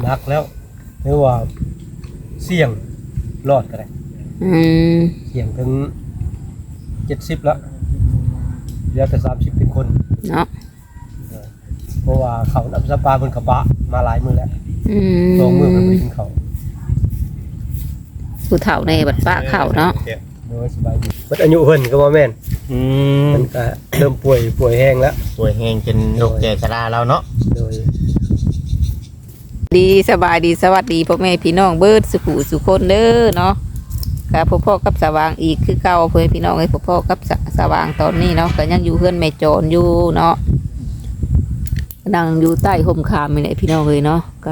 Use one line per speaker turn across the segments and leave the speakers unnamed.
นักแล้วหรือว่าเสี่ยงรอดก็ได้เสี่ยงถึง70แล้วเหลือแต่30เป็นคน
เนาะ
เพราะว่าเขานำสปาเพิ่นกระบะมาหลายมื้อแล้ว2 มื้อเพิ่นบ่ได้กินข้าว
ผู้เฒ่าในบัดป้าเข้าเนาะ
โดยสบายดีเบิดอายุเพิ่นก็บ่แม่นมันก็เริ่มป่วยแห้งแล้ว
ป่วยแห้งเป็นโรคแก่ชราแล้วเนาะ
โดย
ดีสบายดีสวัสดีพ่อแม่พี่น้องเบิดสุขุสุคนเด้อเนาะกับพ่อกับสว่างอีกคือเก่าเพื่อนพี่น้องไอ้พ่อกับสว่างตอนนี้เนาะก็ยังอยู่เพื่อนแม่โจรอยู่เนาะนั่งอยู่ใต้ห่มคามนี่แหละพี่น้องเลยเนาะก็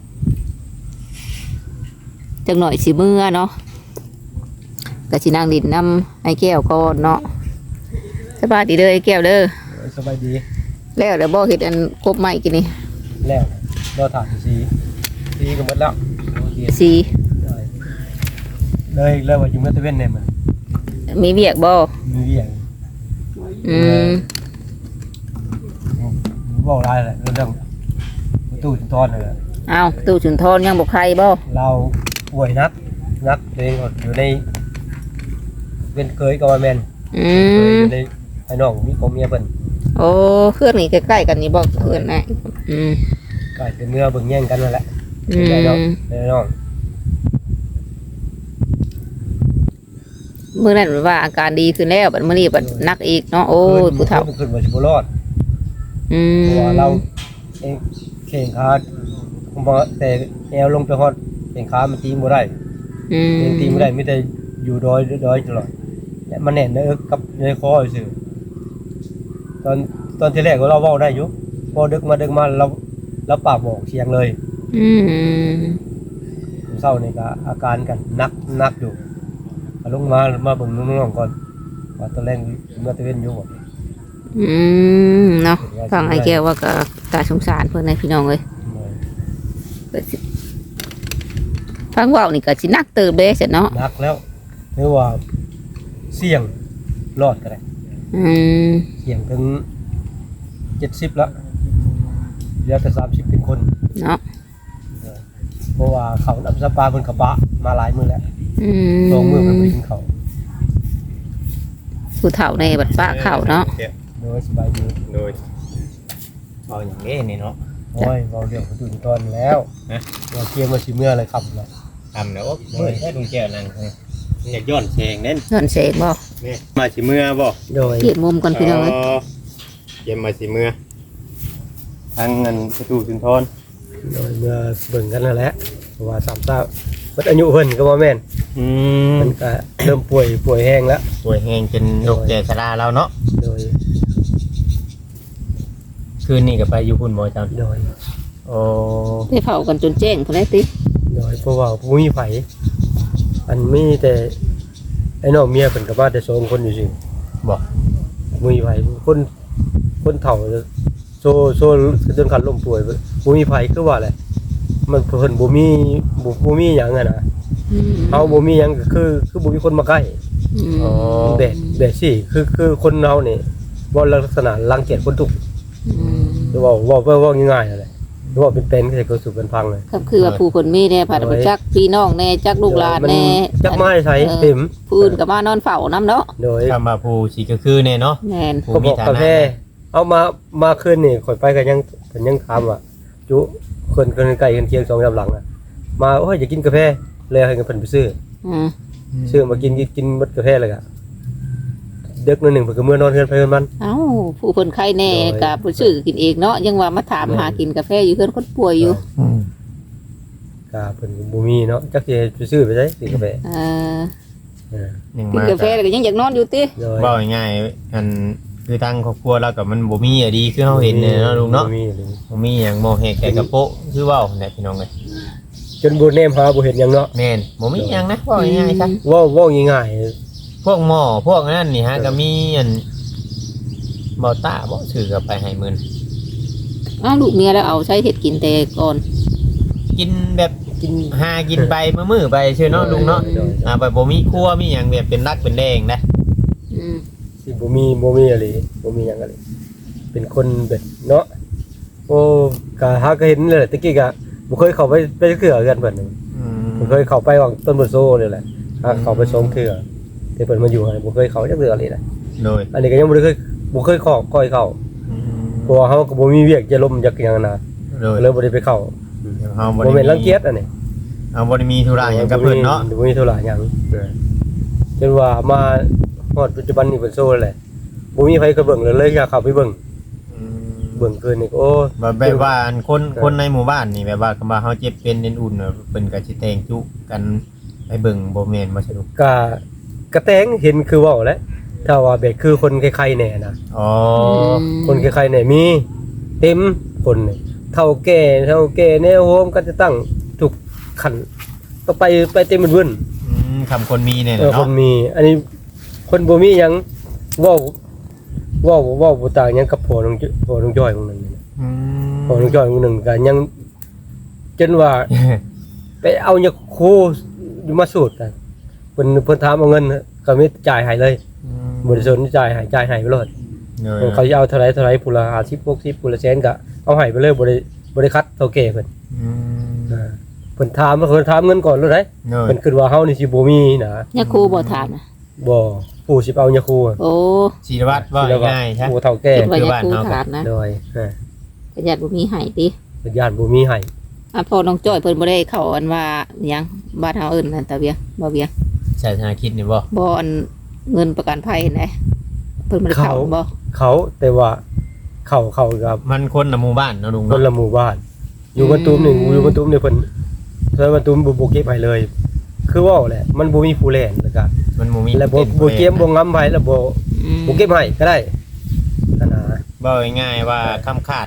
จังหน่อยสิเมื่อเนาะก็สินั่งดินน้ำไอ้แก้วก่อนเนาะสบายดีเด้อไอ้แก้วเด้อ
สบายดี
แล้วเดี๋ยวบ่เฮ็ดอันกบใหม่กินนี่
แล้วเราถามสีก็หมดแล้ว
สี
เลยว่าอยู่เมื่อตะเวนเนี่ยมัน
มีเวียกบ่
มีเวียกบอกอะไรแหละเรื่องตู้ชุนทอนเลย
อ้าวตู้ชุนทอนยังบอกใครบ่
เราป่วยนักเองอยู่ในเป็นเคยกับแมนอยู่ในไอ้น้องมีผมเมียเพิ่น
โอ้เพื่อนนี่ใกล้ๆกันนี่บ่เพื่อนนะ
ใกล้เป็นเมื่อเบิ่งแย่งกันนั่นแหละไอ้น้อง
เมื่อนั้นว่าอาการดีขึ้นแล้วบัดมื้อนี้บัดนักอีกเนาะโอ้ยผู้เฒ่า
ขึ้นมาสิบ่รอดเพราะว่าเราเองเข่งขาบ่แต่แอวลงไปฮอดเข่งขามันตีบ่ได้ตีบ่ได้มีแต่อยู่ดอยตลอดและมันแน่นในเอิกกับในคอซื่อตอนที่แรกเราเว้าได้อยู่พอดึกมาเราปากบอกเสียงเลยเศร้านี่ก็อาการกันนักอยู่ลงมาเบิ่งน้องๆก่อนว่าตอนแรกเมื่อตะเวนอยู่บ่
เนาะฟังไอ้แก้วว่าก็ตาสงสารเพิ่นในพี่น้องเลยฟังเว้านี่ก็สินักเติบเด้ซะเนาะ
นักแล้วหรือว่าเสี่ยงรอดก็ได้เสี่ยงถึง70แล้วเหลือแต่30เป็นคน
เนาะ
เพราะว่าเขานำสปาเพิ่นกระบะมาหลายมื้อแล้ว2 มื้อเพิ่นบ่ได้กินข้าว
ผู้เฒ่าในบัดป้าเข้าเนาะ
โดยสบายดี
โดยเอาอย่างนี้นี่เนาะ
โอ้ยเราเรื่องของตุนตอนแล้วเราเกี่ยวมาสิเมื่ออะไรครับเรา
ทำแล้วเมื่อแค่ลุงแก้วนั่งอยากย้อนเสงเน้น
ย้อนเสงบ่
นี่มาสิเมื่อบ่
โดย
เก็บมุมก่อนพี่น้องเอ้ย
เก็บมาสิเมื่อทั้งเงินประตูสุนทร
โดยเมื่อเบิ่งกันนั่นแหละเพราะว่า30เบิดอายุเพิ่นก็บ่แม่นมันก็เริ่มป่วยแห้งแล้ว
ป่วยแห้งเป็นโรคแก่ชราแล้วเนาะ
โดย
คืนนี้ก็ไปอยู่พุ่นบ่จัง
โดย
โอ้
ไปเผากันจนแจ้งพุ่นได้ติ
โดยเพราะว่าบ่มีไผอันมีแต่ไอ้น้องเมียเพิ่นก็มาแต่2คนอยู่ซื่อ
บ่
มีไผคนเฒ่าโซจนคันล้มป่วยบ่มีไผคือว่าแหละมันเพิ่นบ่มีหยังอ่ะนะเฮาบ่มีหยังก็คือบ่มีคนมาใกล้
อ๋อ
แต่สิคือคนเฮานี่บ่ลักษณะรังเกียจคนทุกข์หรือว่าง่ายๆนั่นแหละหรือว่าเป็นๆก็สู่กันพังเลย
ก็คือว่าผู้คนมีแน่ผัดจักพี่น้องแน่จักลูกหลานแน่
จักไม้ใช้เต็ม
ผู้อื่นก็มานอนเฝ้านำเนาะ
โดย
ถ้ามาผู้สิก็คือแน่เนาะ
แม่น
ผู้มีฐานะเอามาคืนนี่ข่อยไปก็ยังถามว่าจุคนใกล้กันเคียง2-3หลังน่ะมาโอ้ยอยากกินกาแฟเลยให้เพิ่นไปซื้อมากินหมดกาแฟเลยก็เด็กนึงเพิ่นก็มื้อนอนเฮือนไปเฮือนมัน
เอ้าผู้เพิ่นไข้แน่ก็บ่ซื้อกินเองเนาะยังว่ามาถามหากินกาแฟอยู่เฮือนคนป่วยอยู่
ก็เพิ่นบ่มีเนาะจักสิไปซื้อไปไสกินกาแฟ
กินกาแฟแล้วก็ยังอยากนอนอยู่ติ
เว้าง่ายๆอันคือทางครอบครัวเรากับมันบ่มีอะดีคือเฮาเห็นเนี่ยเนาะลุงเนาะบ่มีหยังบ่แหกแก่กระโปะคือเว้าเนี่ยพี่น้องเอ้ย
จนบ่แนมหาบ่เห็นหยังเนาะ
แม่นบ่มีหยังนะเว้าง่ายๆซะ
เว้าง่าย
ๆพวกหม้อพวกนั้นนี่ฮะก็มีอันบ่ตาบ่ถือก็ไปให้มื้อ
อ้าวลูกเมียแล้วเอาใช้เฮ็ดกินแต่ก่อน
กินแบบกินไปมื้อไปซื่อเนาะลุงเนาะไปบ่มีครัวมีหยังแบบเป็นรักเป็นแดงนะ
สิบ่มีอะไรบ่มีหยังอะไรเป็นคนแบบเนาะโอ้ก็หาก็เห็นเลยตะกี้ก็บ่เคยเข้าไปเทื่อกันเพิ่นนี่บ่เคยเข้าไปวางต้นบ่โซนี่แหละเข้าไป2เทื่อที่เพิ่นมาอยู่ให้บ่เคยเข้าจักเทื่อเลยนะ
โดย
อันนี้ก็ยังบ่เคยขอก้อยเข้าเพราะว่าเฮาก็บ่มีเวียกจะล้มจักอย่างนะ
โดย
เลยบ่ได้ไปเข้า
เฮาบ่
บ่
ได้
แม่นรังเกียจอันนี้
เฮาบ่ได้มีธุระหยังกับเพิ่นเนาะ
บ่มีธุระหยังจนว่ามาฮอดปัจจุบันนี้เพิ่นโซแหละบ่มีไผก็เบิ่งเลยอยากเข้าไปเบิ่งคืนนี่โอ้
แบบว่าอันคนในหมู่บ้านนี่แบบว่าคำว่าเฮาเจ็บเป็นเน้นอุ่นเพิ่นก็สิแต่งจุกันไปเบิ่งบ่แม่นบ่ใช่ลูก
กระแตงเห็นคือเว้าแหล้วถ้าว่าแบบคือคนใครๆแน่นะ
อ๋อ
คนใครๆแน่มีเต็มคนนี่เฒ่าแก่แนวโฮมก็จะตั้งทุกขันก็ไปเต็มเบิ่น
คำคนมีเนี่ย
คน
เนาะ
มี อันนี้คนบ่มีหยังเว้าบ่ต่างหยังกับพ่อน้องจ้อยของนึงนี่พ่อน้องจ้อยของนึงก็ยังจนว่า ไปเอายาคูอยู่มาสูตรกันเพิ่นถามเอาเงินก็มีจ่ายให้เลยบ่ได้สนจ่ายให้ไปเลยเขาสิเอาเท่าไหร่ผู้ละ50 60ผู้ละแสนก็เอาให้ไปเลยบ่ได้คัดเท่าแก่เพิ่นเพิ่นถามเงินก่อนเลยเด้เพิ่นคิดว่าเฮานี่สิบ่มีนะ
ยาคูบ่ถามนะ
บ่ผู้สิเอายาคู
โอ้
ศิลวัตรว่าง่ายๆใช่
ผู้เฒ่าแก่
คิดว่ายาคูถามนะ
โดย
ก็ญาติบ่มีให้ติ
ญาติบ่มีให้
พ่อน้องจ้อยเพิ่นบ่ได้เข้าอันว่าหยังบ้านเฮาเอิ้นนั่นตาเวียบ่เวีย
ใช่ธนาคิดนี่บ่
บ่อันเงินประกันภัยไหนเพิ่นบ่ได้เข้าบ่
เขาแต่ว่าเขากับ
มันคนละหมู่บ้านเนาะลุง
คน
เนาะ
ละหมู่บ้าน อยู่บ้านตุ้มนี่อยู่บ้านตุ้มนี่เพิ่นเพิ่นบ้านตุ้มบ่เก็บให้เลย คือว่าแหละมันบ่มีผู้แลนแล้วก็
มันบ่มี
แล้วบ่เก็บบ่งำให้แล้วบ่เก็บให้ก็ได้นั่นน่ะ
บ่ง่ายๆว่าคำขาด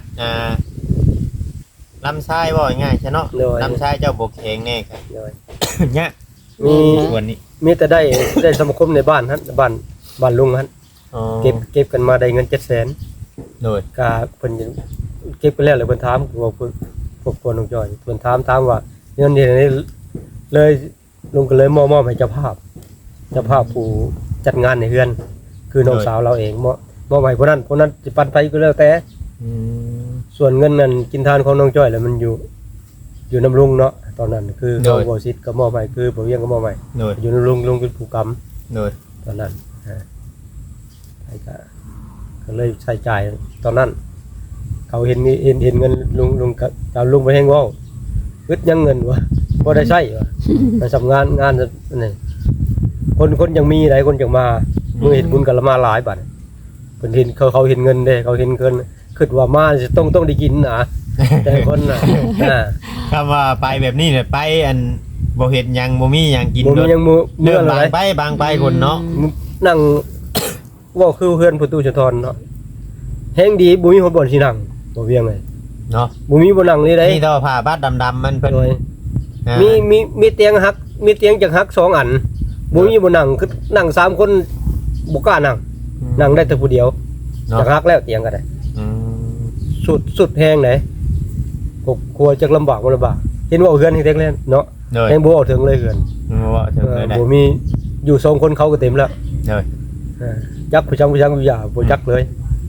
ลำไส้บ่ง่ายใช่เนาะลำไส้เจ้าบ่แข็งแน่ครับ
โดย
เนี่ย
มี
ส่วนนี้
มีแต่ได้สมาคมในบ้านหั่นบ้านลุงหั่น
อ๋อ
เก็บกันมาได้เงิน 700,000
โดย
ก็เพิ่นเก็บไปแล้วเลยเพิ่นถามว่าพวกคนน้องจอยเพิ่นถามว่าเงินนี่เลยลุงก็เลยมอบให้เจ้าภาพผู้จัดงานในเฮือน คือน้องสาวเราเองมอบให้ผู้นั้นสิปันไปก็แล้วแต่
อืม
ส่วนเงินนั้นกินทานของน้องจ้อยแล้วมันอยู่น้ำลุงเนาะตอนนั้นคือเขาบ่ซิดก็มอบให้คือบ่เวียงก็มอบให้
โดย
อยู่น้ำลุงเป็นผู้กำ
โดย
ตอนนั้นใช่ก็เลยใช้จ่ายตอนนั้น เขาเห็นเงินลุงกับเอาลุงไปแฮงเว้าอึดยังเงินวะบ่ได้ใช้วะมันทำงานนี่คนยังมีหลายคนจังมามือเห็นบุญกันละมาหลายบาทเพิ่นเห็นเขาเห็นเงินเด้เขาเห็นเงินคิดว่ามาสิต้องได้กินนะแต่คนน่ะ
คำว่าไปแบบนี้เนี่ยไปอันบ่เฮ็ดหยังบ่มีหยังกิน
บ่มียังมือ
เรื่อง
อะไร
บางไปคนเนาะ
นั่งเว้าคือเพื่อนประตูชนทรเนาะแฮงดีบ่มีคนบ่นสินั่งบ่เวียงเลย
เนาะ
บ่มีบ่นั่งเลยได้
นี่ต่อผ้าบาดดำๆมันเพิ่น
โดย
อ่า
มีเตียงหักมีเตียงจักหัก2อันบ่มีบ่นั่งคือนั่ง3คนบ่กล้านั่งได้แต่ผู้เดียว
เนาะ
จักหักแล้วเตียงก็ได้
อืม
สุดแฮงไหนกลัวจักลำบากบ่ลำบากเห็นว่าเฮือนเฮ็ดแล้วเนาะ
โดย
แฮงบ่เอาถึงเลยเฮือน
ว่าถึงเลยได้
บ่มีอยู่2คนเขาก็เต็มแล้ว
โดย
จักผู้จังอยู่ยาบ่จักเลย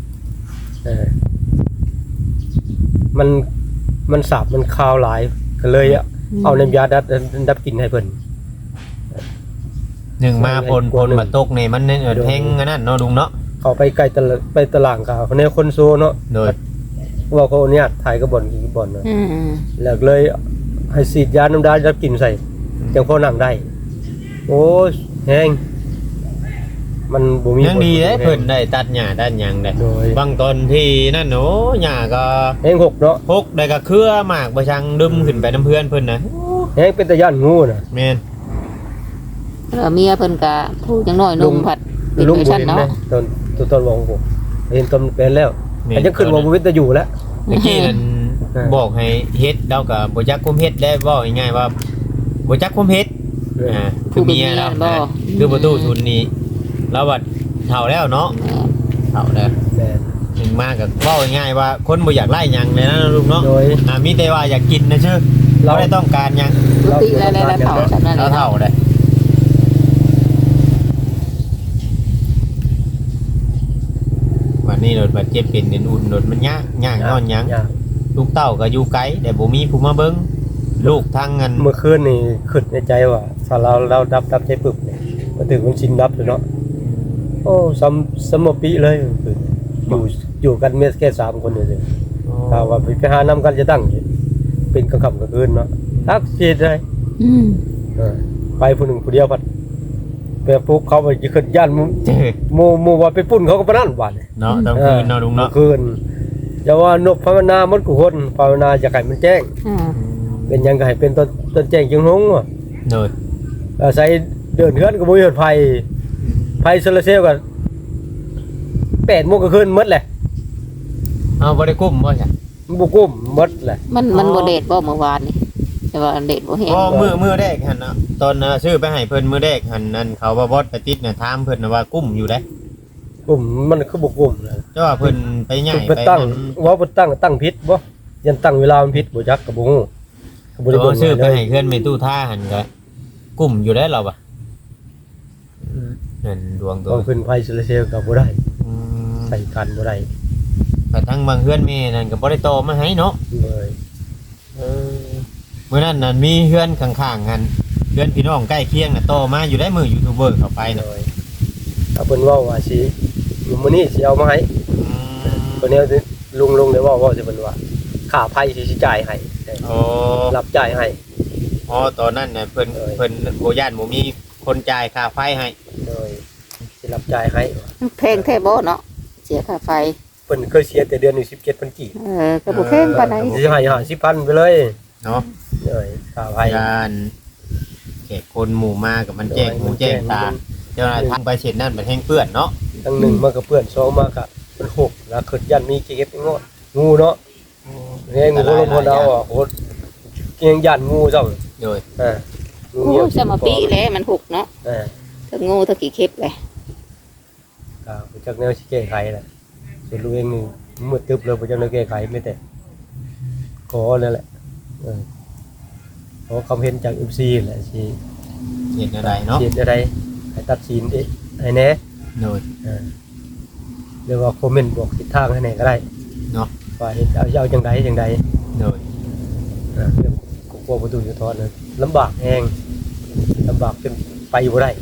มันสาบมันคาวหลายก็เลยเอาน้ำยาดับกลิ่นให้เพิ่น
หนึ่งมาพลมาตกนี่มันเนี่ยแทงอันนั้นเนาะลุงเนาะ
เขาไปไกลไปตลาดกาเขาในคนโซเนาะ
โดย
ว่าเขาเนี่ยถ่ายกระบ่อนกี่บ่อนเนาะแล้วเลยให้ฉีดยาน้ำดาดับกลิ่นใส่จังพอนั่งได้โอ้ยแฮงมันบ่มี
ยังดีเด้เพิ่นได้ตัดหญ้าด้านหยังได้
โดย
บางตอนที่นั่นโอ้หญ้าก็
แฮงหกเนาะ
พกได้ก็เครือหมากบ่ชังดึมขึ้นไปน้ำเพื่อนเพิ่นนะ
แฮงเป็นตะย่านงูน่ะ
แม่น
เมียเพิ่นก็ผู้จังน้อยนุ่มผัดเป็น
ลุง
เวอร์
บ่
ชัน
เห็น
เนาะ
นะตอนวงผมเห็นตอนเป็นแล้วแต่ยังขึ้นว่าบ่วิตอยู่แล้ว
เมื่อกี้นั่นบอกให้เฮ็ดแล้วก็บ่จักคุมเฮ็ดได้บ่ง่ายๆว่าบ่จักคุมเฮ็ดคือเมียแล้วนะคือประตูทุนนี้แล้วว่าเฒ่าแล้วเนาะเฒ่าแล้ว
แม่น
ถึงมาก็เว้าง่ายๆว่าคนบ่อยากไล่หยังเลยนะลุงเนาะ
โดย
มีแต่ว่าอยากกินนะชื่อเราได้ต้องการหยัง
ปกติแล้วเฒ่าจำนั้นเล
เรา
ย
เฒ่า
เนาะ
ได้วันนี้รถบาดเจ็บเป็นอุ่นรถมันยากนอนหยัง
ยาก
ลูกเต้าก็อยู่ไกลแต่บ่มีผู้มาเบิ่งลูกทั้งเงิน
เมื่อคืนนี่คิดในใจว่าถ้าเราดับใจปึบเนี่ยมาถึงมันชินดับเลยเนาะโอ้สมปีเลยคืออยู่กันเมียแค่3คนเลยถ้าว่าไปหาน้ำกันจะตั้งเป็นกลางค่ำกลางคืนเนาะทักสิได้
อืม
ไปผู้หนึ่งผู้เดียวพัดไปปลุกเขาไปจะขึ้นย่านหมู่ว่าไปปุ้นเขาก็ปนั่นบาด
เนาะตอนคืนเนาะลุงเนาะ
คืนจะว่านบภาวนาหมดกุคนภาวนาจะให้มันแจ้ง
อ่า
เป็นยังไงเป็นต้นแจ้งจึงหงว่ะ
โดย
อาศัยเดินเฮือนก็บ่มีไฟโซลาร์เซลล์ก็8 โมงก็คืนหมดแหละ
เอาบ่ได้กุ้มบ่ใช่
มันบ่กุ้มหมดแหละ
มันบ่เดทบ่เมื่อวานนี่แต่ว่าเดทบ่เห็น
อ๋อมือแรกหั่นน่ะตอนซื้อไปให้เพิ่นมื้อแรกหั่นนั่นเขาว่าบอสไปติดน่ะถามเพิ่นน่ะว่ากุ้มอยู่เด้
กุ้มมันคือบ่กุ้มนะ
แต่ว่าเพิ่นไปย้าย
ไปตั้งว่าบ่ตั้งผิดบ่ยันตั้งเวลามันผิดบ่จักก็บ่ฮู้ก็บ่ได้
ตัว
เบิ่ง
ซื้อไป
เลย
ให้เพื่อนไปตู้ท่าหั่นก็กุ้มอยู่ได้เราบ่นั่นดวงตัว
เอาขึ้นไฟโซลาร์เซลล์ก็บ่ได้
อืม
ใส่กันบ่ได้
แต่ทั้งบางเพื่อนแม่นั่นก็บ่ได้โตมาให้เนาะ
เลย
เมื่อนั้นนั่นมีเพื่อนข้างๆกันเพื่อนพี่น้องใกล้เคียงน่ะโตมาอยู่ได้มือยูทูบเบอร์เข้าไป
เล
น่ะ
ยถ้าเพิ่นเว้าว่าสิมื้อนี้สิเอามาให้
อืม
เพิ่นเนี่ยลุงได้เว้าสิเพิ่นว่าค่าไฟสิจ่ายให้
โอ้
รับจ่ายให้
อ๋อตอนนั้นน่ะเพิ่นบ่ย่านบ่มีคนจ่ายค่าไฟให้
เลยสิรับจ่ายให้
แพงแท้บ่เนาะเสียค่าไฟ
เพิ่นเคยเสียแต่เดือนหนึง17,000กีบ
ก็บ่แพงปานใด
สิให้50,000ไปเลย
เนาะ
เลยค่าไฟ
การแขกคนหมู่มากับมันแจ้งหูแจ้งตาเจ้าหน้าที่ทางไปเสร็จนั่นมันแห้งเปื้อนเนาะ
ทั้งหนึ่งมันก็เปื้อนสองมันก็มันหกแล้วขึ้นยันมีเก็บงองูเนาะเนี่ยงูลงพนเอาอ่ะโหเกียงยันงูเจ้า
โดย
งู
โอ้
เหี่ยว
สมาปีแล้วมัน6เนาะ
อ่า
ทั้งงูทั้งกี่เข็บเลย
ก็จากแนวสิแก้ไขแหละส่วนลูกเองนี่มืดตึ๊บเลยบ่จักแนวแก้ไขไม่แต่ขอนั่นแหละขอคำเห็นจาก MC แหละสิ
เห็นอะไรเนาะ
เฮ็ดอะไรให้ตัดสินให้แน่
โดย
หรือว่าคอมเมนต์บอกทิศทางให้แน่ก็ได้
เนาะ
ว่าเฮ็ดเอาจังใดจังใด
โดย
เรื่องกลัวประตูอยู่ทอดนะลำบากแห้งลำบากจนไปบ่ได้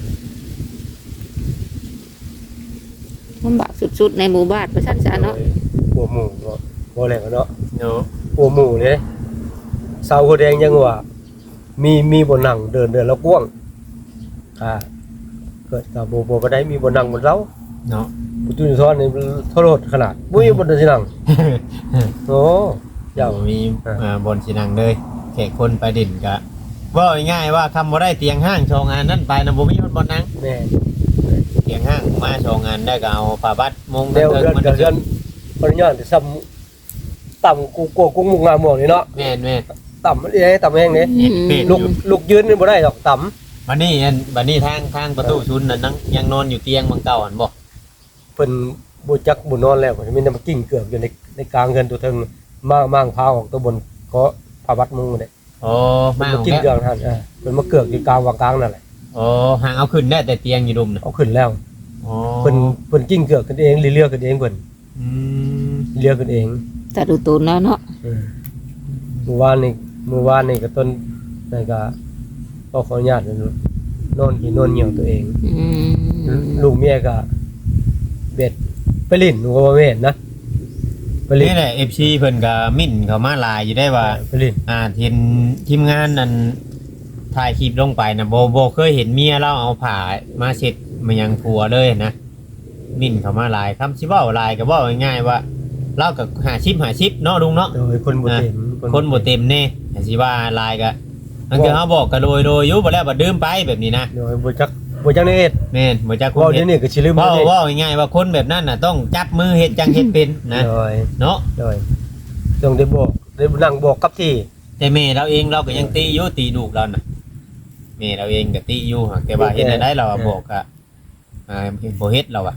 ลำบากสุดๆในหมู่บ้านประชันซะเนาะ
กลัวหมู่บ่แรงเนาะ
เนาะ
กลัวหมู่เลยสาวหัวแดงยังว่ามีบ่นั่งเดินแล้วกว้างเกิดกับบ่ได้มีบ่นั่งบนเรา
เนาะ
ประตูอยู่ทอดนี่โทษขนาดบ่มีบ่ได้สินั่งโอ้ยาว
มีบนสินังเลยแขกคนไปดิ่นกะว่าง่ายๆว่าคำบ่ได้เตียงห้างโชว์งานนั่นไปนะบ่มีคนบนนั่ง
แม่
เตียงห้างมาโชว์งานได้ก็เอาผ้าบัดมง
เดี๋ยวเดือนกับเดือนปริญญาที่ซ้ำต่ำกูมุกงามหมวกนี่เนาะ
แม่นแม่
ต่ำนี่ต่ำแห้งนี่
เป็ด
ลูกยืนนี่บ่ได้ดอกต่ำ
บัดนี้ทางประตูชุนน่ะนั่งยังนอนอยู่เตียงบางเก่าอันบ่
เพิ่นบ่จักบ่นอนแล้วมันมีแต่มากิ้งเกือบอยู่ในกลางเงินตัวเทิงมางพาออกตัวบนก็พาวัดมุงนี่
โอ้มา
มา
ของ
กิ้ง
แก
เกือบท่านเพิ่นมาเกือกอยู่กลางวางกลางนั่นแหละ
โอ้ห่างเอาขึ้นได้แต่เตียงอยู่ดุมน่ะ
เอาขึ้นแล้ว
โอ้
เพิ่นกิ้งเกือกกันเองเลือกกันเองเพิ่น
อืม
เลือกกันเอง
แต่ดูตูนแล้วเนาะ
เมื่อวานนี่ก็ต้นนั่นก็ขออนุญาตนอนหินอนเหี่ยวตัวเอง
อืม
ลูกเมียก็เบ็ดไปลิ้นหนูก็บ่แม่นนะไปลิ้น
นี่แหละ FC เพิ่นก็มิ่นเข้ามาหลายอยู่ได้ว่า
ไปลิ้น
เห็นทีมงานนั่นถ่ายคลิปลงไปนะโบเคยเห็นเมียเราเอาผ้ามาเช็ดมายังผัวเลยนะมิ่นเขามาหลายคำชิเว่าหลายก็บอกง่ายๆว่าเรากับ50เนาะลุงเนาะ
โดยคนบ่เต็ม
คนบ่เต็มแน่แต่สิว่าหลายก็นั่นคือเขาบอกกันโดยอยู่บ่แล้วบ่ดื่มไปแบบนี้นะ
โดยบ่จักในเอ็ด
แม่นบ่จักคุ
เว้า
เฮ็
เดี๋ย
ด
วนี้ก็สิลืม
เว้า
เด้
เว้าง่ายๆว่าคนแบบนั้นน่ะต้องจับมือเฮ็ดจังเฮ็ดเป็นนะ
โดย
เนาะ
ต้องได้บอกได้นั่งบอกกับที่
แต่แม่เราเองเราก็ยังตีอยู่ตีลูกเราน่ะแม่เราเองก็ตีอยู่หากแต่ว่าเฮ็ดได้เราอะบอกอะบ่เฮ็ดเราอะ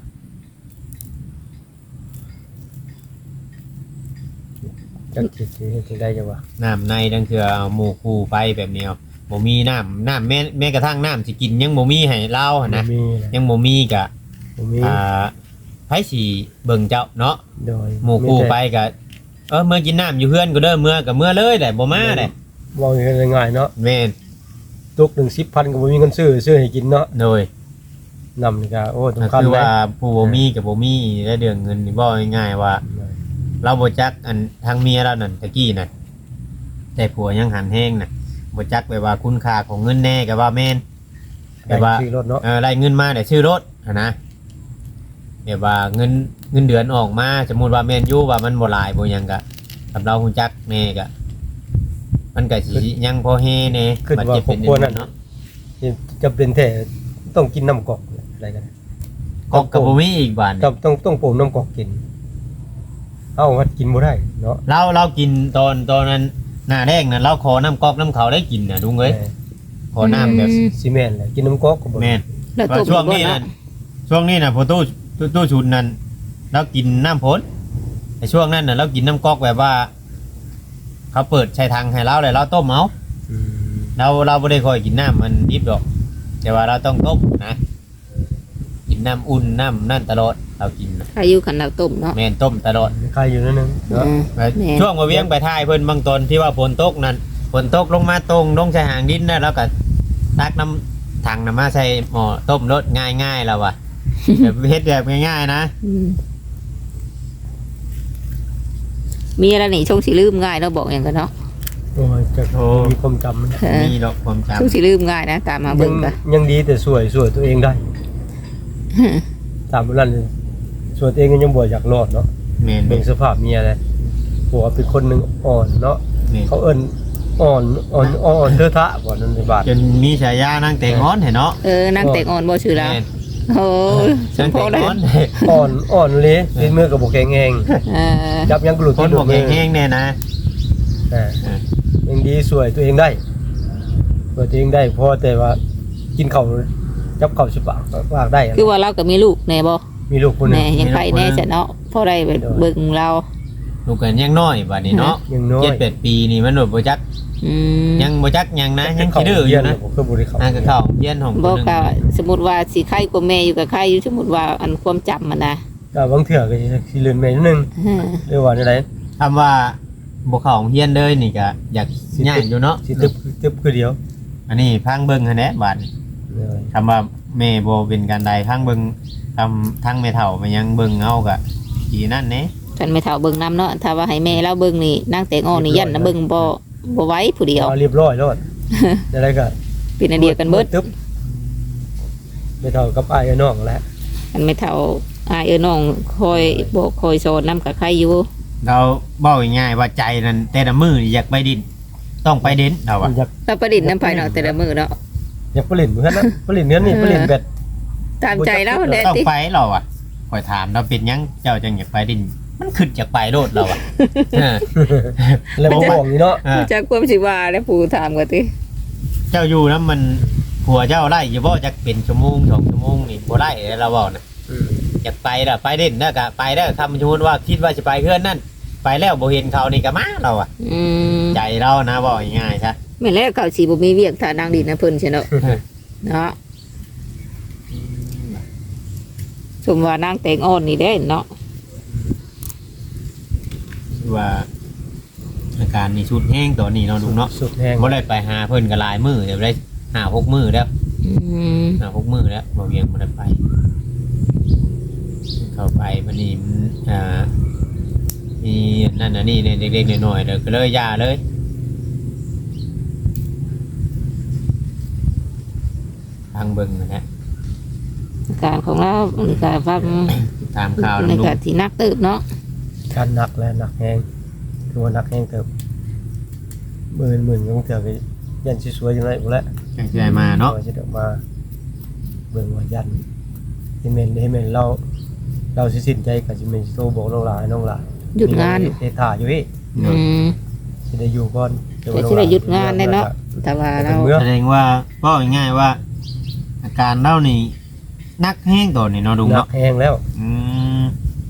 จักสิได้จังว่า
น้ำในดังคือเอาหมู่คู่ไปแบบนี้บ่มีน้ำแม้กระทั่งน้ำสิกินยังบ่มีให้เราหั่นนะ
มีนะ
ยังบ่มีกะ
บ่มี
ไผสิเบิ่งเจ้าเนาะ
โดย
หมู่คู่ไปกะเมื่อกินน้ำอยู่เฮือนก็เด้อเมื่อก็เมื่อเลยแหละบ่มาแหละ
มองง่ายๆเนาะ
แม่น
ตุกหนึ่ง10,000ก็บ่มีเงินซื้อให้กินเนาะ
โดย
นำนี่ก็โอ้
ก็
สำคัญ
คือ
เลย
ว่าผู้บ่มีกับบ่มีได้เดือนเงินนี่บ่ง่ายๆว่า เราบ่จักอันทางเมียเรานั่นตะกี้น่ะแต่ผัวยังหันแห้งน่ะบ่จักไปว่าคุณค่าของเงินแน่ก็ว่าแม่นแบบว่า
ซื้อรถเนาะ
ได้เงินมาได้ซื้อรถหั้นนะแบบว่าเงินเดือนออกมาสมมุติว่าแม่นอยู่ว่ามันบ่หลายบ่หยังก็กับเราฮู้จักแน่ก็มันก็สิยังพอเฮแน่บัดเจ็บเป็นเนาะ
จะเป็นแท้ต้องกินน้ำกอกอะไรกัน
ก็กับบ่มีอีกบาดนี่
ต้องปลูกน้ำกอกกินเอ้าวัดกินบ่ได้เนาะ
เรากินตอนนั้นหน้าแรกน่ะเราขอน้ำก๊อกน้ำเขาได้กินน่ะลุงเอ้ยขอน้ำแบบ
ซีเมนต์แหละกินน้ำกอกก็บ่
แม่น
แล้ว
ว่า
ตุ่ม
ช่วง
บ่
นี้
เนาะ
น่ะช่วงนี้น่ะพอตู้ชุนนั้นเรากินน้ำพ้นแต่ช่วงนั้นน่ะเรากินน้ำก๊อกแบบว่า เขาเปิดใช้ทางให้เราเลยเราต้มเอา
อืม
เราไม่ได้ค่อยกินน้ำมันดิบดอก แต่ว่าเราต้องต้มนะกินน้ำอุ่นน้ำนั่นตลอดเรากินน่ะ
อายุขันเราตุ่มเนาะ
แม่นต้มตลอด
ใครอยู่นั่นนึงเนาะ
แม่น
ช่วงมาเวียงไปท่ายเพิ่นบางตอนที่ว่าฝนตกนั้นฝนตกลงมาตรงลงชายหางดินนะแล้วก็ตักน้ำถังน้ำมาใส่หม้อต้มรสง่ายๆแล้วว่ะ แบบเฮ็ดแบบง่ายๆนะ
อืมมีอะไรนี่ชงสิลืมง่ายเนาะบอกอย่างกันเนาะ
โอ้ยจะมีความจำมัน
เออ
มีดอกความจ
ชงสิลืมง่ายนะตามมาเบิ่งกัน
ยังดีแต่สวยตัวเองได้ตามนั้นสวยตัวเองก็ยังบ่อยากรอดเนาะ
ำแม่น
เบิ่งสภาพเมียเลยผัวเป็นคนหนึงอ่อนเนาะ
นี่
เขาเอิ้นอ่อนเทอะทะบ่นั่นในบาท
จนมีฉายานั่งเตะง้อนเห็นเนาะ
นั่งแต่งอ่อนบ่ชื่อเรา
แม่น
โอ้ฉั
นั่
น
ง
พอ
เตะ
ได้
ง้อน
อ่อนเลยเป็นมือกับบ่แข็งแรง
เออ
จับยังกลุด
คน
ที่
บอก
มือ
แห้งๆเนี่ยนะ
ยังดีสวยตัวเองได้สวยตัวเองได้พอแต่ว่ากินข้าวจับข้าวสิปากได้
คือว่าเราก็มีลูกแน่บ่
มีลูกคนหนึ
แน่
ง
ยังไปแน่จะเนาะพอได้ไปเบิ่งเรา
ลูกกันยังน้อยบัดนี้เนาะ
ยังน้อย
7-8 ปีนี่มันบ่จัก
อืม
ยังบ่จักยังนะยังขี้ดื้ออยู่นะ
ผมก็บ่ได้เข้า
อ่าก็เข้าเฮียนของคน
บ่
หนึง
ก็สมมุติว่าสิไข้กว่าแม่อยู่กับไข้อยู่สมมุติว่าอันความจำมันนะ
ก็บางเทื่อก็สิเลื่อนไปนิดนึง
เออ
หรือว่าจังได๋
คำว่าบ่เข้าเฮียนเลยนี่ก็อยากย่านอยู่เนาะ
สิตึบคือเดียว
อันนี้พังเบิ่งหั่นแหละบาดนี้
เลย
คำว่าแม่บ่เป็นการใดพังเบิ่งทำทั้งแม่เฒ่ามันยังเบิ่งเอาก็อีนั่นแหน่
ท่านไม่เฒ่าเบิ่งนํเนาะถ้าว่าให้แม่เราเบิ่งนี่นางแต่งอ่อนนี่ยันนะเบิ่งบ่ไหวผู้เดียว
เอาเรียบร้อยแล้วอะไรก็
เป็นอันเดียวกันเบิด
ตึบไม่เท่ากับอ้ายกับน้องแหละ
อันไม่เฒ่าอายน้องคอยบอกคอยสอนนํกับใครอยู่
เราบอกง่ายๆว่าใจนั้นแต่ละมือนี่อยากไปดินต้องไปเด่นเราอะ
อยาก
ถ้าประดิษฐ์น้ำไปเนาะแต่ละมื้อเนาะ
อยากผลิตเหมือนกันนะผลิตเนื้อนี่ผลิตแบบ
ตามใจแล้วแหละ
ต้อง
ติ
ไปเราอะคอยถามเราเป็นหยังเจ้าจังอยากไปดิน มันขึ้นจากไปโลดเราอะเออ
แล้วบ่บอกนี่เนาะ
เออ
จากความสิว่าแล้วผู้ถามก็ติ
เจ้าอยู่นะมันผัวเจ้าไล่อยู่บ่จักเป็นชั่วโมง2 ชั่วโมงนี่บ่ไล่เราบอกนะอยากไปล่ะไปเด่นนะก็ไปแล้วคำสมมุติว่าคิดว่าจะไปเพื่อนนั่นไปแล้วบ่เห็นเขานี่ก็มาเราอะ
อืม
ใจเรานะบอกง่ายๆใช่
แม่นแล้วเขาสิบ่มีเวียกถ้านางดินนะเพิ่นซิเนาะเนาะสมว่านางแต่งอ่อนนี่ได้เนาะ
ว่าอาการนี่ชุดแห้งตอนนี้เนาะลุงเนาะ
สุดแห้ง
บ่ได้ไปหาเพิ่นก็หลายมื้อเดี๋ยวได้5-6 มื้อแล้ว
อืม
5-6 มื้อแล้วบ่เวียงบ่ได้ไป เข้าไปบัดนี้มันมีนั่นน่ะนี่เนี่ยเด็กๆน้อยๆเด้อก็เลยย่าเลยทางเบิ่งนะฮะ
อาการของเราในการฟัง
ตามข่าว
ใน
ลุง
การที่นักตืบเนาะ
การหนักและหนักแห้งคือว่าหนักแห้งเติบหมื่นยังเถื่อก็ยันสิสวยจังได๋บ่แล้ว
จังสิได้มาเนาะ
จะเดี๋ยวมาเบิ่งว่ายันให้แม่นเราสิสิ้นใจก็สิแม่นสิโทรบอกน้องหลายน้องหลาย
หยุดงาน
เตถ่าอยู่พี่
อืม
สิได้อยู่ก่อน
แต่สิได้หยุดงานแน่เนาะ แต่ว่าเรา
แสดงว่าก็ง่ายๆว่า อาการเล่านี่นักแห้งก่อนนี่เนาะลุง
หนั
เนาะ
กแห้งแล้ว
อืม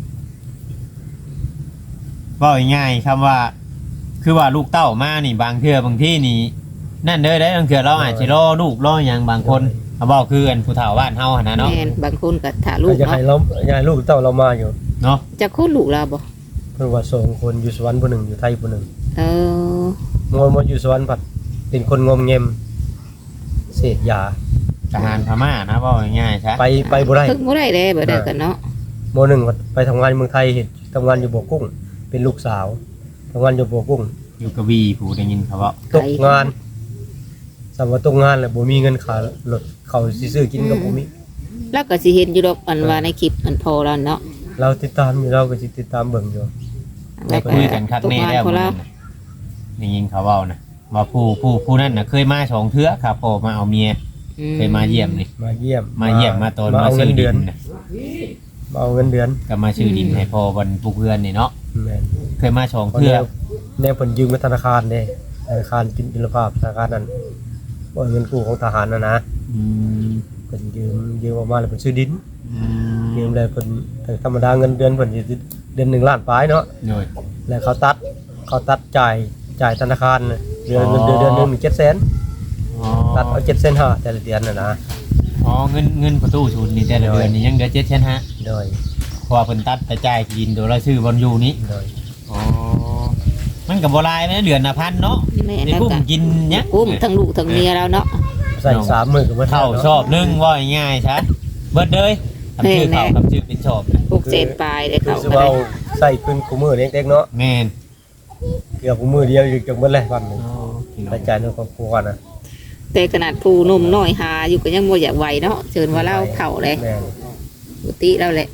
ว่าง่ายๆคำว่า คือว่าลูกเต้ามานี่บางเทื่อบางที่นี่ นั่นเด้อได้บางเทื่อเราอาจจะรอลูกรออย่างบางคนเขาบอกคืออันผู้เฒ่าบ้านเฮาหั่นนะเนาะ
แม่นบางคนก็ถ่าลู
ก็
ก
จะให้
เนาะ
เราอยากให้ลูกเต้าเรามาอยู่
เนาะ
จะโคตรลูกเราบ่
เพิ่นว่า2คนอยู่สวรรค์ผู้หนึงอยู่ไทยผู้หนึง
เออ
มออยู่สวรรค์ผัดเป็นคนงมเงมเสพยา
ทหารพม่านะเว้าง่ายๆซะ
ไปบ่ได้
ถึงบ่ได้เด้บ่ได้กันเนาะ
โมหนึ่งไปทำงานเมืองไทยเห็นทำงานอยู่บัวกุ้ง เป็นลูกสาวทำงานอยู่บัวกุ้ง
อยู่กระบี่ผู้ได้ยินเขาเว้า
ตกงานสำหรับตกงานแหละบ่มีเงินค่ารถเขาสิซื้อกินกับบ่มี
แล้วก็สิเห็นอยู่ดอกอันว่าในคลิปอันพอแล้วเนาะ
เราติดตามอยู่เราก็สิติดตามเบิ่งอยู่
แล้วก็
คุยกันคักแน่แล้ว
ตกงานพอ
มื้อ
แล้
นั้
วน
น่ะได้ยินเขาเว้านะว่าผู้นั้นน่ะเคยมา2เทื่อครับพ่อมาเอาเมียเคยมาเยี่ยมนี่
มาเยี่ยม
มาตอน
มา
มา
เอา
ซื้
เงิ
อน ดิ
เดือน
นน่ะ
มาเอาเงินเดือน
ก็มาซื้อดินให้พ่อวันปลูกเพื่อนนี่เนาะ
แม่น
เคยมา2เทื่อ
แนวเพิ่นยืมกับธนาคารเด้ธนาคารกินอินทรภาพธนาคารนั้นบ่เงินกู้ของทหารนะ
อืม
เพิ่นยืมออกมาแล้วเพิ่นซื้อดิน
อืม
ยืมแล้วเพิ่นแต่ธรรมดาเงินเดือนเพิ่นสิเดือน1ล้านปลายเนาะ
โดย
แล้วเขาตัดจ่ายธนาคารน่ะเดือน
อ๋อ
เดือนหนึงมี700,000
อ๋อ
ตัดเอา7,500,000แต่ละเดือนน่ะนะ
อ๋อเงินประตูชุนนี่แต่ละเดือนนี่ยังเหลือ7,500,000
โดย
เพราะว่าเพิ่นตัดแต่จ่ายกินโดยเราซื้อบอลอยู่นี้
โดย
อ๋อมันก็บ่หลายแม่เดือนละพันเนาะ
แม่
ใน
แล้ว
กุ้ม
ก็
กินเนี้ย
กุ้มทั้งลูกทั้งเมียแล้วเนาะ
ใส่3มื้อก็บ่
เข้าชอบนึงว่าง่ายๆซะเบิดเลยทำชื่อเข้ากับชื่อเป็นชอบนะ
พวกเศษปลายได้
คือ
เข้า
สิ
ก็
ว่า
ได้
ใส่ขึ้นกูมื้อเล็กๆเนาะ
แม่น
เกือบกูมื้อเดียวอยู่จังเบิดเลยวันหนึง
อ๋อพี่น้อ
ใส่
ง
ใจายในครอบครัวนะ
แต่ขนาดผู้หนุ่มน้อยหาอยู่ก็ยังบ่อยากไหวเนาะเชิญว่าเล่าเข่าเลย
แม่น
ปกติแล้วแหละ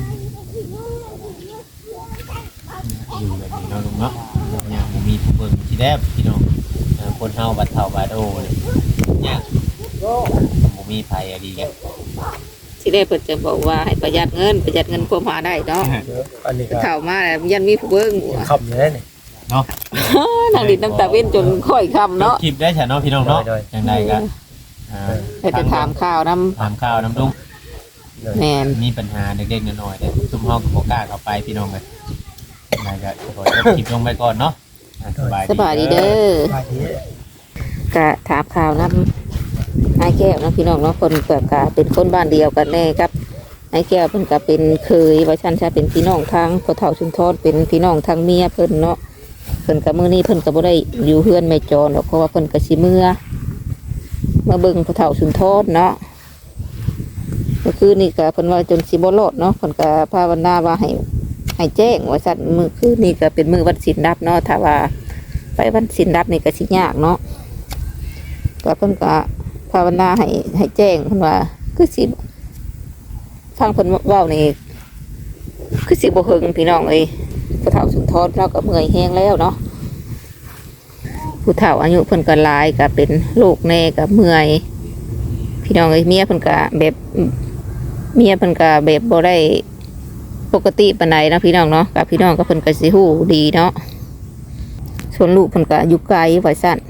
อยู่แบบนี้เนาะลุงเนาะอย่างบ่มีผู้เบิ่งที่แรกพี่น้องคนเฮาบัดเฒ่าบัดโอเนี่ยยากบ่มีภัยอะดีกัน
สิได้เพิ่นจะบอกว่าให้ประหยัดเงินความหาได้เนาะ
อันนี้ก็
เข้ามาแล้วยันมีผู้เบิ่ง
ขับอยู่ได้นี่
เนาะ
นางดินน้ำตาเว้นจนค่อยคำเนาะ
คลิปได้ฉันเนาะพี่น้องเนาะอย่างไรก็
ไปจะถามข่าวน้
ถามข่าวน้ำลุง
เลย
ำแมน
มีปัญหาเด็กๆน้อยๆเด้อซุ่มห้องกับโอกล้าเข้าไปพี่น้องเลยอย่างไรก็ขอจบคลิปลงไปก่อนเนาะ
สบายดีเด้อ
ไปที
กะถามข่าวน้ำไอ้แก้วนะพี่น้องเนาะคนเปิดกะเป็นคนบ้านเดียวกันแน่ครับไอ้แก้วเพิ่นกะเป็นเคยว่าชันชาเป็นพี่น้องทางพ่อเฒ่าชุมทอดเป็นพี่น้องทางเมียเพิ่นเนาะเพิ่นกะมื้อนี้เพิ่นก็บ่ได้อยู่เฮือนแม่จรหรอกเพราะว่าเพิ่นก็สิเมื่อเบิ่งพ่อเฒ่าชุมทอดเนาะเมื่อคืนนี่ก็เพิ่นว่าจนสิบ่รอดเนาะเพิ่นก็ภาวนาว่าให้แจ้งว่าซั่นมื้อคืนนี่ก็เป็นมื้อวันศีลรับเนาะถ้าว่าไปวันศีลรับนี่ก็สิยากเนาะก็เพิ่นก็ภาวนาให้แจ้งเพิ่นว่าคือสิฟังเพิ่นเว้านี่คือสิบ่เฮิงพี่น้องเอ้ยผู้เฒ่าสุนทรเราก็เมื่อยแห้งแล้วเนาะผู้เฒ่าอายุเพิ่นก็หลายก็เป็นโรคแน่ก็เมื่อยพี่น้องเอ้ยเมียเพิ่นก็แบบบ่ได้ปกติปานใดนะพี่น้องเนาะกับพี่น้องก็เพิ่นก็สิฮู้ดีเนาะส่วนลูกเพิ่นก็อยู่ไกลไว้ซั่น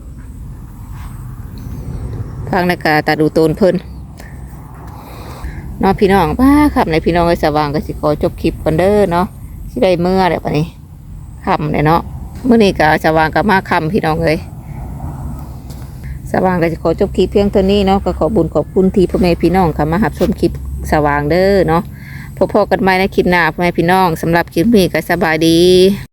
ฟังในกาตาดูโตนเพิ่นเนาะพี่น้องป้าครับในพี่น้องไอ้สว่างก็สิขอจบคลิปกันเด้อเนาะสิได้เมื่อเดี๋ยวนี้ค่ำเลยเนาะเมื่อนี้ก็สว่างก็มาค่ำพี่น้องเลยสว่างก็จะขอจบคลิปเพียงเท่านี้เนาะก็ขอบุญขอบคุณที่พ่อแม่พี่น้องค่ะมาหับชมคลิปสว่างเด้อเนาะพบกันใหม่ในคลิปหน้าพ่อแม่พี่น้องสำหรับคลิปนี้ก็สบายดี